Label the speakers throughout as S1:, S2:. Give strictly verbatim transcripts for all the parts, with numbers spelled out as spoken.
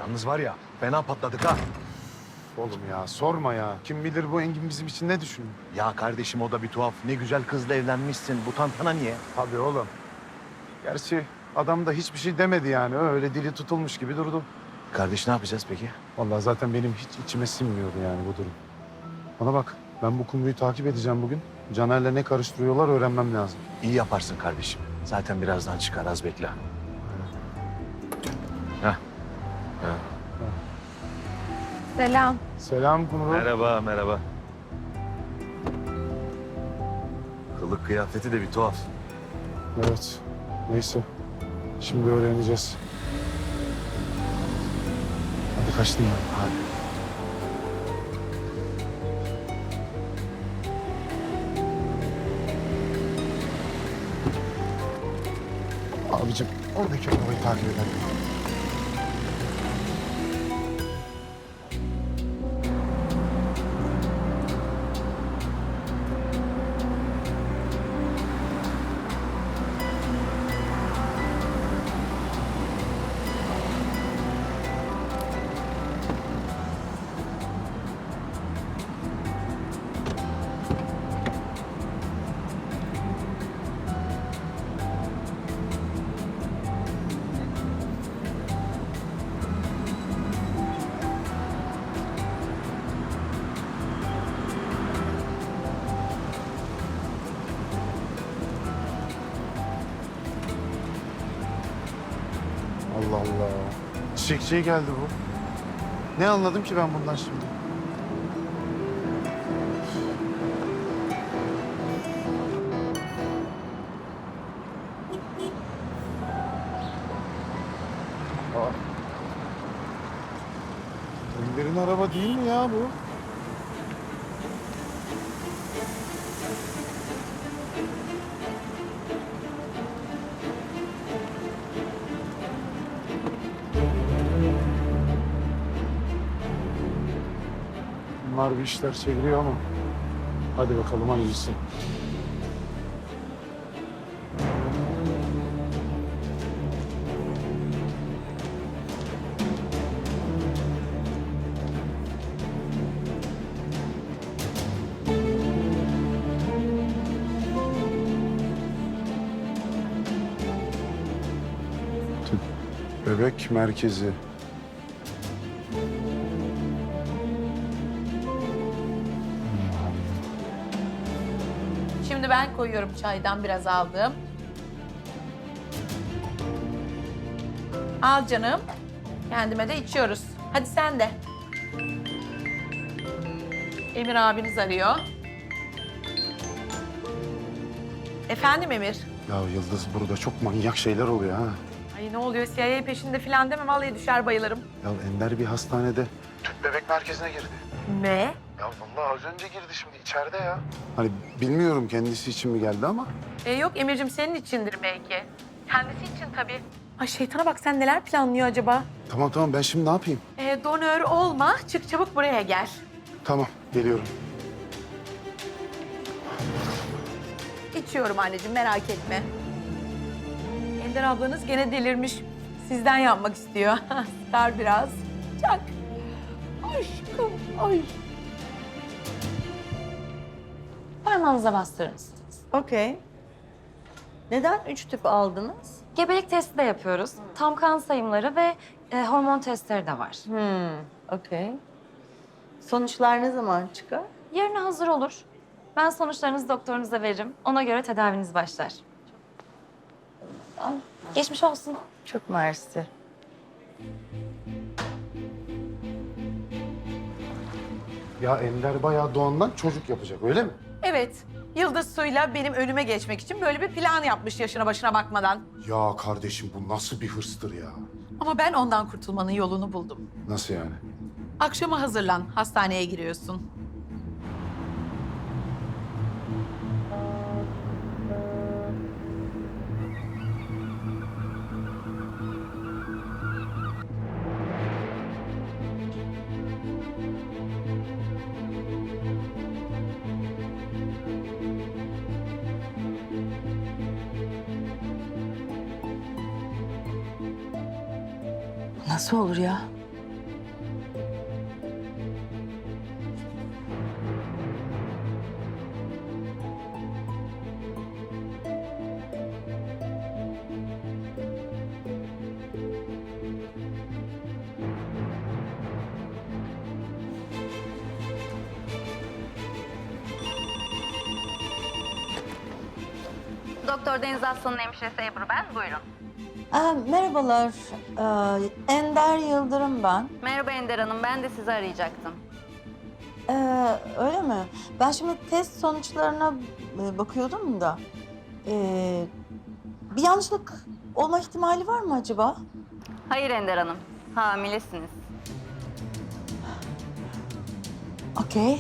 S1: Yalnız var ya fena patladık ha.
S2: Oğlum ya sorma ya. Kim bilir bu Engin bizim için ne düşünüyor?
S1: Ya kardeşim o da bir tuhaf. Ne güzel kızla evlenmişsin. Bu tantana niye?
S2: Tabii oğlum. Gerçi adam da hiçbir şey demedi yani. Öyle dili tutulmuş gibi durdu.
S1: Kardeş ne yapacağız peki?
S2: Vallahi zaten benim hiç içime sinmiyordu yani bu durum. Bana bak, ben bu kumruyu takip edeceğim bugün. Caner'le ne karıştırıyorlar öğrenmem lazım.
S1: İyi yaparsın kardeşim. Zaten birazdan çıkar, az bekle. Heh. Heh.
S3: Selam.
S2: Selam kumru.
S1: Merhaba, merhaba. Kılık kıyafeti de bir tuhaf.
S2: Evet, neyse. Şimdi öğreneceğiz. Hadi kaçtım ben.
S1: Hadi.
S2: Abicim, oradaki arabayı takip edelim. Allah Allah. Çiçekçiye geldi bu. Ne anladım ki ben bundan şimdi? Aa. Ender'in araba değil mi ya bu? Bunlar bir işler çeviriyor ama hadi bakalım hangisi. Bebek merkezi.
S3: Şimdi ben koyuyorum, çaydan biraz aldım. Al canım. Kendime de içiyoruz. Hadi sen de. Emir abiniz arıyor. Efendim Emir?
S2: Ya Yıldız, burada çok manyak şeyler oluyor ha.
S3: Ay ne oluyor, C I A peşinde falan deme, vallahi düşer bayılırım.
S2: Ya Ender bir hastanede tüp bebek merkezine girdi.
S3: Ne?
S2: Ya vallahi az önce girdi, şimdi içeride ya. Hani bilmiyorum kendisi için mi geldi ama.
S3: E, yok Emir'cim, senin içindir belki. Kendisi için tabii. Ay şeytana bak, sen neler planlıyor acaba?
S2: Tamam tamam, ben şimdi ne yapayım?
S3: E, donör olma, çık çabuk buraya gel.
S2: Tamam, geliyorum.
S3: İçiyorum anneciğim, merak etme. Ender ablanız gene delirmiş. Sizden yapmak istiyor. Sıkar biraz. Çak. Aşkım, ay.
S4: Parmağınıza bastırır mısınız?
S5: Okey. Neden üç tüp aldınız?
S4: Gebelik testi de yapıyoruz. Tam kan sayımları ve e, hormon testleri de var.
S5: Hmm, okey. Sonuçlar ne zaman çıkar?
S4: Yarına hazır olur. Ben sonuçlarınızı doktorunuza veririm. Ona göre tedaviniz başlar. Geçmiş olsun.
S5: Çok mersi.
S2: Ya Ender bayağı doğandan çocuk yapacak, öyle mi?
S3: Evet, Yıldız Su'yla benim önüme geçmek için böyle bir plan yapmış yaşına başına bakmadan.
S2: Ya kardeşim, bu nasıl bir hırstır ya?
S3: Ama ben ondan kurtulmanın yolunu buldum.
S2: Nasıl yani?
S3: Akşama hazırlan, hastaneye giriyorsun.
S5: Nasıl olur ya?
S6: Doktor Deniz Aslan'ın hemşiresi Ebru ben. Buyurun.
S5: Aa, merhabalar. Ee, Ender Yıldırım ben.
S6: Merhaba Ender Hanım. Ben de sizi arayacaktım.
S5: Ee, öyle mi? Ben şimdi test sonuçlarına e, bakıyordum da. Ee, bir yanlışlık olma ihtimali var mı acaba?
S6: Hayır Ender Hanım. Hamilesiniz.
S5: Okey.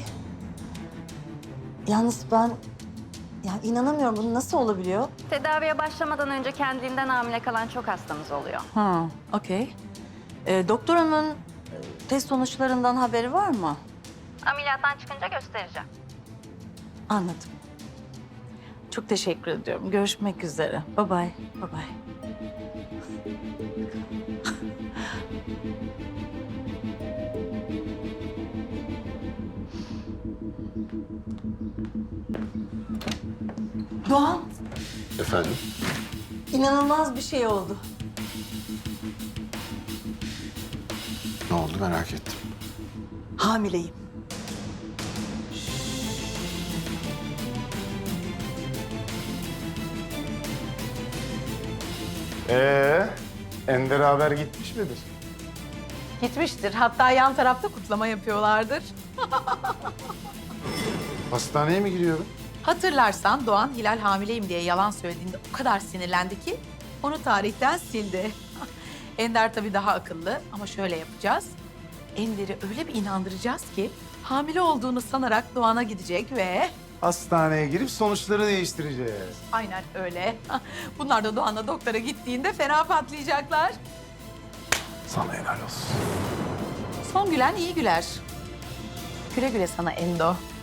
S5: Yalnız ben yani inanamıyorum. Bu nasıl olabiliyor?
S6: Tedaviye başlamadan önce kendiliğinden hamile kalan çok hastamız oluyor.
S5: Ha, okey. Ee, doktoranın e, test sonuçlarından haberi var mı?
S6: Ameliyattan çıkınca göstereceğim.
S5: Anladım. Çok teşekkür ediyorum. Görüşmek üzere. Bye bye. Bye bye. Doğan,
S2: Efendim?
S5: inanılmaz bir şey oldu.
S2: Ne oldu merak ettim.
S5: Hamileyim.
S2: Ee, Ender haber gitmiş midir?
S3: Gitmiştir. Hatta yan tarafta kutlama yapıyorlardır.
S2: Hastaneye mi giriyorum?
S3: Hatırlarsan Doğan Hilal hamileyim diye yalan söylediğinde o kadar sinirlendi ki onu tarihten sildi. Ender tabii daha akıllı ama şöyle yapacağız. Ender'i öyle bir inandıracağız ki hamile olduğunu sanarak Doğan'a gidecek ve
S2: Hastaneye girip sonuçları değiştireceğiz.
S3: aynen öyle. Bunlar da Doğan'la doktora gittiğinde fena patlayacaklar.
S2: Sana helal olsun.
S3: Son gülen iyi güler. Güle güle sana Endo.